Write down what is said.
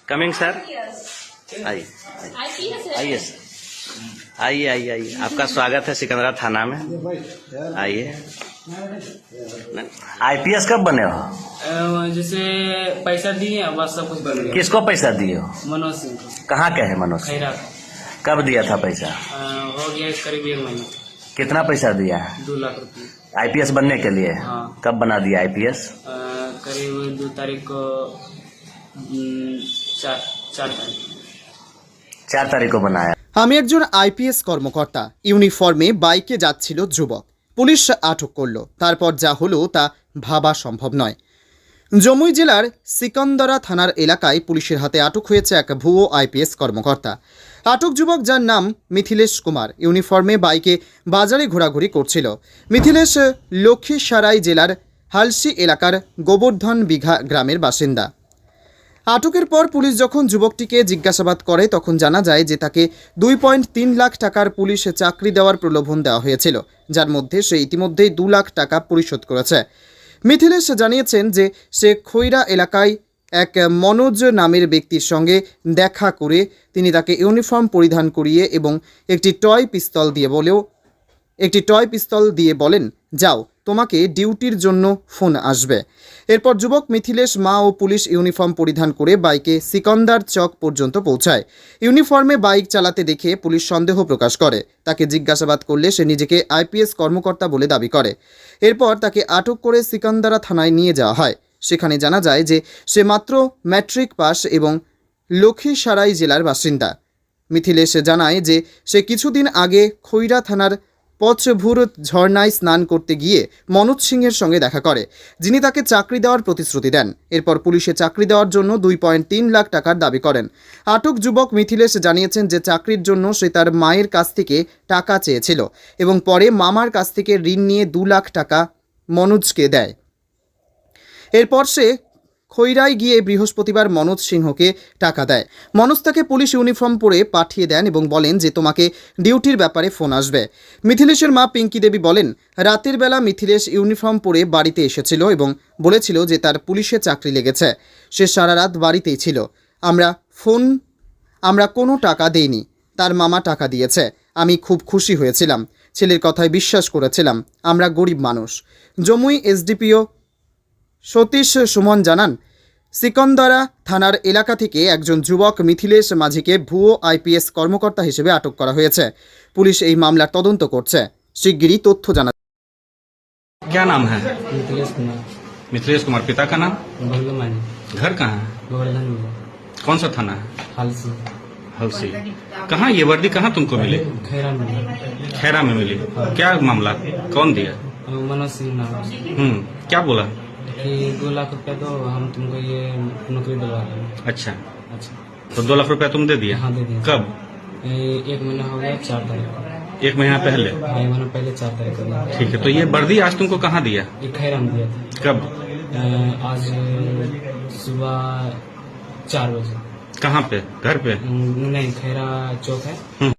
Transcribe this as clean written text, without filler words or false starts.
Coming sir, आइए आइए sir, आइए आइए आइए, आपका स्वागत है सिकंदरा थाना में। आइए। आईपीएस कब बने हो? जैसे पैसा दिए बस सब कुछ बन गया। किसको पैसा दिए हो? मनोज सिंह को। कहाँ के है मनोज? खैरा। कब दिया था पैसा? हो गया करीब 1 महीना। कितना पैसा दिया? 2 लाख रुपये। आईपीएस बनने के लिए? हाँ। कब बना दिया आईपीएस? करीब 2 तारीख को 4 तारीख 4 तारीख को बनाया। আমি একজন আইপিএস কর্মকর্তা। ইউনিফর্মে বাইকে যাচ্ছিল যুবক, পুলিশ আটক করলো। তারপর যা হলো তা ভাবা সম্ভব নয়। জমুই জেলার সিকন্দরা থানার এলাকায় পুলিশের হাতে আটক হয়েছে এক ভুয়ো আইপিএস কর্মকর্তা। আটক যুবক, যার নাম মিথিলেশ কুমার, ইউনিফর্মে বাইকে বাজারে ঘোরাঘুরি করছিল। মিথিলেশ লক্ষ্মীসারাই জেলার হালসি এলাকার গোবর্ধন বিঘা গ্রামের বাসিন্দা। আটকের পর পুলিশ যখন যুবকটিকে জিজ্ঞাসাবাদ করে তখন জানা যায় যে তাকে 2.3 লাখ টাকার পুলিশ চাকরি দেওয়ার প্রলোভন দেওয়া হয়েছিল, যার মধ্যে সে ইতিমধ্যেই 2 লাখ টাকা পরিশোধ করেছে। মিথিলেশ জানিয়েছেন যে সে খৈরা এলাকায় এক মনোজ নামের ব্যক্তির সঙ্গে দেখা করে তিনি তাকে ইউনিফর্ম পরিধান করিয়ে এবং একটি টয় পিস্তল দিয়ে বলেন, যাও, তোমাকে ডিউটির জন্য ফোন আসবে। এরপর যুবক মিথিলেশ মা ও পুলিশ ইউনিফর্ম পরিধান করে বাইকে সিকন্দার চক পর্যন্ত পৌঁছায়। ইউনিফর্মে বাইক চালাতে দেখে পুলিশ সন্দেহ প্রকাশ করে। তাকে জিজ্ঞাসাবাদ করলে সে নিজেকে আইপিএস কর্মকর্তা বলে দাবি করে। এরপর তাকে আটক করে সিকন্দরা থানায় নিয়ে যাওয়া হয়। সেখানে জানা যায় যে সে মাত্র ম্যাট্রিক পাস এবং লক্ষ্মীসারাই জেলার বাসিন্দা। মিথিলেশ জানায় যে সে কিছুদিন আগে খৈরা থানার পচভুর ঝর্ণায় স্নান করতে গিয়ে মনোজ সিংয়ের সঙ্গে দেখা করে, যিনি তাকে চাকরি দেওয়ার প্রতিশ্রুতি দেন। এরপর পুলিশে চাকরি দেওয়ার জন্য 2.3 লাখ টাকার দাবি করেন। আটক যুবক মিথিলেশ জানিয়েছেন যে চাকরির জন্য সে তার মায়ের কাছ থেকে টাকা চেয়েছিল এবং পরে মামার কাছ থেকে ঋণ নিয়ে 2 লাখ টাকা মনোজকে দেয়। এরপর সে খৈরায় গিয়ে বৃহস্পতিবার মনোজ সিংহকে টাকা দেয়। মনোজ তাকে পুলিশ ইউনিফর্ম পরে পাঠিয়ে দেন এবং বলেন যে তোমাকে ডিউটির ব্যাপারে ফোন আসবে। মিথিলেশের মা পিঙ্কি দেবী বলেন, রাতের বেলা মিথিলেশ ইউনিফর্ম পরে বাড়িতে এসেছিল এবং বলেছিল যে তার পুলিশে চাকরি লেগেছে। সে সারা রাত বাড়িতেই ছিল। আমরা কোনো টাকা দেইনি, তার মামা টাকা দিয়েছে। আমি খুব খুশি হয়েছিলাম, ছেলের কথায় বিশ্বাস করেছিলাম। আমরা গরিব মানুষ। জমুই এসডিপিও সতীশ সুমন জানান, সিকন্দরা থানার এলাকা থেকে একজন যুবক মিথিলেশ মাঝিকে ভুয়ো আইপিএস কর্মকর্তা হিসেবে আটক করা হয়েছে। পুলিশ এই মামলার তদন্ত করছে। শিগগিরই তথ্য জানা। क्या नाम है? मिथिलेश कुमार। मिथिलेश कुमार। पिता का नाम? भोलमानी। घर कहाँ है? गोवर्धन में। कौन सा थाना है? हालसी। हलसी। कहाँ ये वर्दी कहाँ तुमको मिली? खैरा में। खैरा में मिली। क्या मामला, कौन दिया? मनोज सिंह नाम है। क्या बोला? कि 2 लाख रुपया दो, हम तुमको ये नौकरी दिलवा रहे हैं। अच्छा, अच्छा। तो 2 लाख रुपया तुम दे दिया? हाँ, दे दिया। कब? 1 महीना हो गया, 4 तारीख को। 1 महीना पहले? 1 महीना पहले 4 तारीख को दिया। ठीक है, तो ये वर्दी आज तुमको कहाँ दिया? ये खैरा में दिया था। कब? आज सुबह 4 बजे। कहाँ पे? घर पे? नहीं, खैरा चौक है।